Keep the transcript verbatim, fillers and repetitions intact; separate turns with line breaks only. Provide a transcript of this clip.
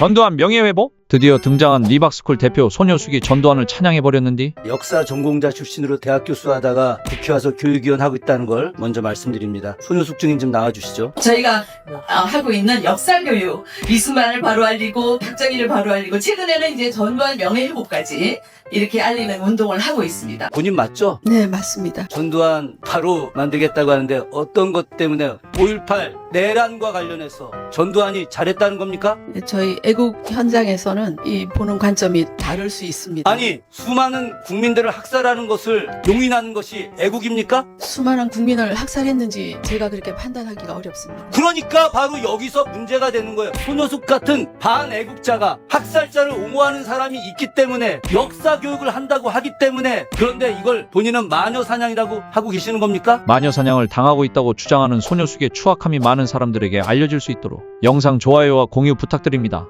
전두환 명예회복? 드디어 등장한 리박스쿨 대표 소녀숙이 전두환을 찬양해버렸는디.
역사 전공자 출신으로 대학 교수하다가 국회 와서 교육위원 하고 있다는 걸 먼저 말씀드립니다. 손효숙 증인 좀 나와주시죠.
저희가 어, 하고 있는 역사교육, 이승만을 바로 알리고 박정희를 바로 알리고 최근에는 이제 전두환 명예회복까지 이렇게 알리는 운동을 하고 있습니다.
본인 맞죠?
네, 맞습니다.
전두환 바로 만들겠다고 하는데 어떤 것 때문에 오일팔 내란과 관련해서 전두환이 잘했다는 겁니까?
저희 애국 현장에서는 이 보는 관점이 다를 수 있습니다.
아니 수많은 국민들을 학살하는 것을 용인하는 것이 애국입니까?
수많은 국민을 학살했는지 제가 그렇게 판단하기가 어렵습니다.
그러니까 바로 여기서 문제가 되는 거예요. 손효숙 같은 반애국자가 학살자를 옹호하는 사람이 있기 때문에 역사 교육을 한다고 하기 때문에, 그런데 이걸 본인은 마녀 사냥이라고 하고 계시는 겁니까?
마녀 사냥을 당하고 있다고 주장하는 소녀숙의 추악함이 많은 사람들에게 알려질 수 있도록 영상 좋아요와 공유 부탁드립니다.